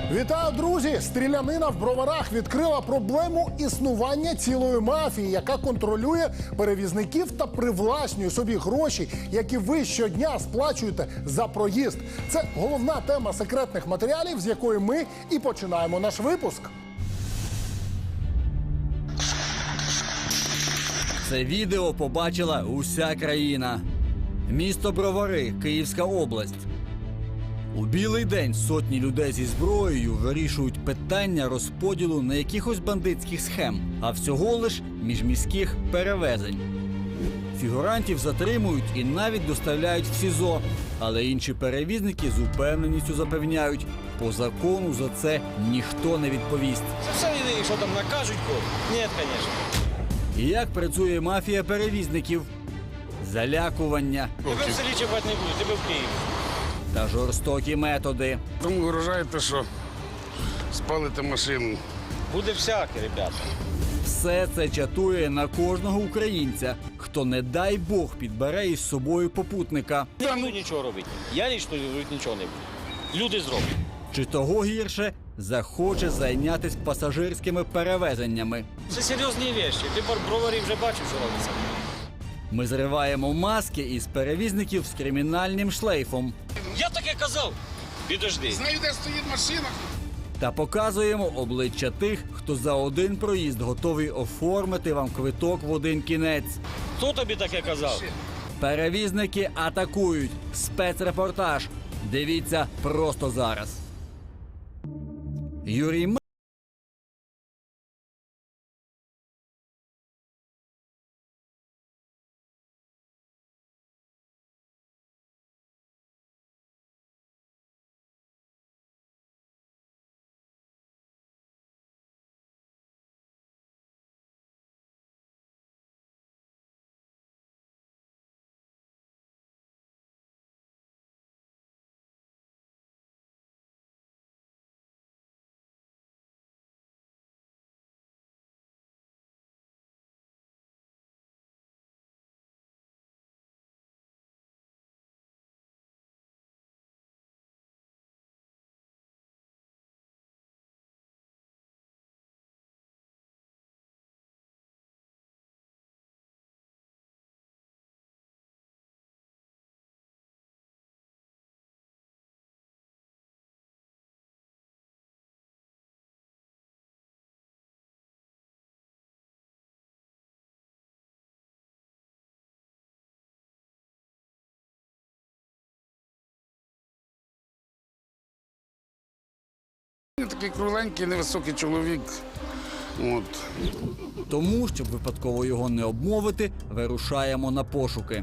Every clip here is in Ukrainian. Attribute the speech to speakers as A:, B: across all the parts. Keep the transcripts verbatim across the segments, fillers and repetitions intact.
A: Вітаю, друзі! Стрілянина в Броварах відкрила проблему існування цілої мафії, яка контролює перевізників та привласнює собі гроші, які ви щодня сплачуєте за проїзд. Це головна тема секретних матеріалів, з якої ми і починаємо наш випуск.
B: Це відео побачила уся країна. Місто Бровари, Київська область. У білий день сотні людей зі зброєю вирішують питання розподілу не якихось бандитських схем, а всього лиш міжміських перевезень. Фігурантів затримують і навіть доставляють в СІЗО. Але інші перевізники з упевненістю запевняють, по закону за це ніхто не відповість.
C: Все, що там накажуть, ні, звісно.
B: І як працює мафія перевізників? Залякування.
C: Тебе в селі чіпати не буде, тебе в Києві.
B: Та жорстокі методи.
D: Тому виражаєте, що спалите машину.
C: Буде всяке, ребята.
B: Все це чатує на кожного українця, хто, не дай Бог, підбере із собою попутника.
C: Не буду нічого робити. Я лічно робити нічого не буду. Люди зроблять.
B: Чи того гірше, захоче зайнятися пасажирськими перевезеннями.
C: Це серйозні речі. Ти Броварі вже бачив, що робиться.
B: Ми зриваємо маски із перевізників з кримінальним шлейфом
C: Я таке казав. Підожди.
D: Знаю, де стоїть машина.
B: та показуємо обличчя тих, хто за один проїзд готовий оформити вам квиток в один кінець.
C: Хто тобі таке казав?
B: Перевізники атакують. Спецрепортаж. Дивіться просто зараз. Юрій М...
D: Він такий кругленький, невисокий чоловік. От.
B: Тому, щоб випадково його не обмовити, вирушаємо на пошуки.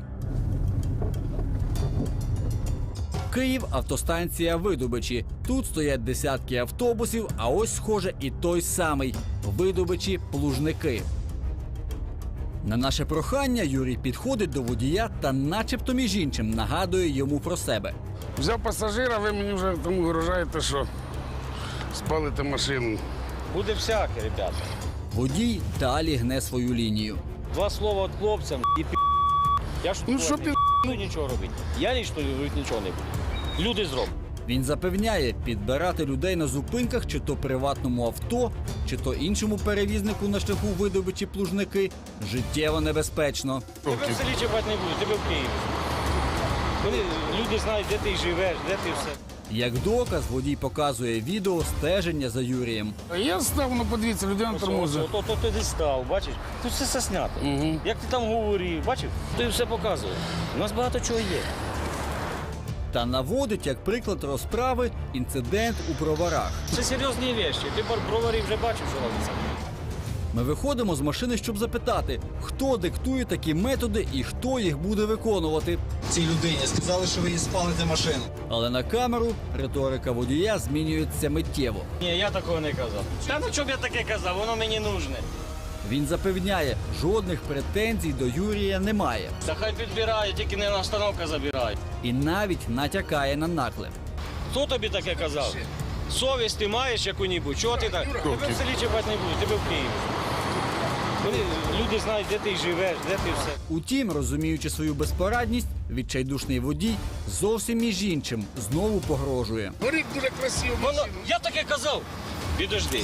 B: Київ – автостанція Видобичі. Тут стоять десятки автобусів, а ось, схоже, і той самий – Видобичі-Плужники. На наше прохання Юрій підходить до водія та начебто між іншим нагадує йому про себе.
D: Взяв пасажира, ви мені вже тому виражаєте, що спалите машину.
C: Буде всяке, ребята.
B: Водій далі гне свою лінію.
C: Два слова від хлопцям і пі***. Я ж
D: Ну, що
C: не
D: пі***?
C: буду нічого робити. Я лічно робити нічого не буду. Люди зроблять.
B: Він запевняє, підбирати людей на зупинках чи то приватному авто, чи то іншому перевізнику на шляху Видобичі-Плужники життєво небезпечно.
C: Тебе в селі чіпати не буду, тебе в Києві. Коли люди знають, де ти живеш, де ти все.
B: Як доказ, водій показує відео стеження за Юрієм.
D: Я став, ну подивіться, людина тормозить.
C: То, то ти десь став, бачиш? Тут все це знято.
D: Угу.
C: Як ти там говорив, бачив? Ти все показує. У нас багато чого є.
B: Та наводить, як приклад розправи, інцидент у Броварах.
C: Це серйозні речі. Ти Броварі вже бачив, що робиться.
B: Ми виходимо з машини, щоб запитати, хто диктує такі методи і хто їх буде виконувати.
E: Цій людині сказали, що ви їй спалите машину.
B: Але на камеру риторика водія змінюється миттєво.
C: Ні, я такого не казав. Та ну чого б я таке казав, воно мені нужне.
B: Він запевняє, жодних претензій до Юрія немає.
C: Та хай підбирає, тільки не на остановка забирає.
B: І навіть натякає на наклеп.
C: Хто тобі таке казав? Совість ти маєш яку-небудь? Чого ти так? Тебе в селі чіпати не буду, тебе в Києві. Вони, люди знають, де ти живеш, де ти все.
B: Утім, розуміючи свою безпорадність, відчайдушний водій зовсім між іншим знову погрожує.
D: Горить дуже красиво.
C: Воно, я таке казав. Підожди.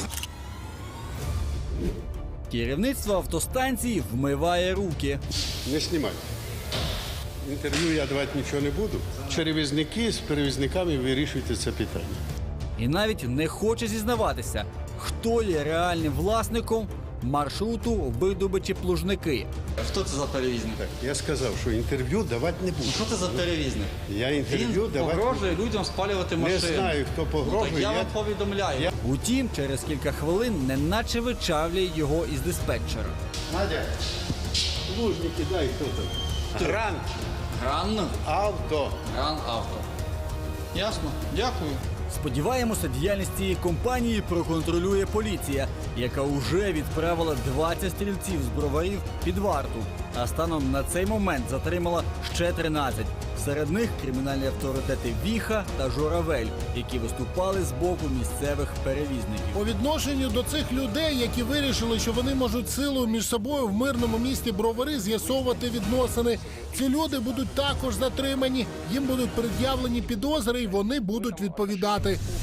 B: Керівництво автостанції вмиває руки.
F: Не знімай. Інтерв'ю я давати нічого не буду. Перевізники з перевізниками вирішуйте це питання.
B: І навіть не хоче зізнаватися, хто є реальним власником маршруту Бердобичі-Плужники.
G: Хто це за перевізник?
F: Я сказав, що інтерв'ю давати не буду.
G: Що це за перевізник?
F: Я інтерв'ю
G: Він
F: давати
G: погрожує людям спалювати
F: не
G: машини.
F: знаю, хто
G: Ну,
F: погрожує.
G: так я
F: я-
G: вам повідомляю.
F: Я-
B: Утім, через кілька хвилин неначе вичавлює його із диспетчера.
F: Надя, лужники дай хто там. Гран
G: Гран,
F: авто.
G: гран авто. Ясно, дякую.
B: Сподіваємося, діяльність цієї компанії проконтролює поліція, яка уже відправила двадцять стрільців з броварів під варту, а станом на цей момент затримала ще тринадцять. Серед них кримінальні авторитети Віха та Журавель, які виступали з боку місцевих перевізників.
A: По відношенню до цих людей, які вирішили, що вони можуть силою між собою в мирному місті Бровари з'ясовувати відносини, ці люди будуть також затримані, їм будуть пред'явлені підозри і вони будуть відповідати.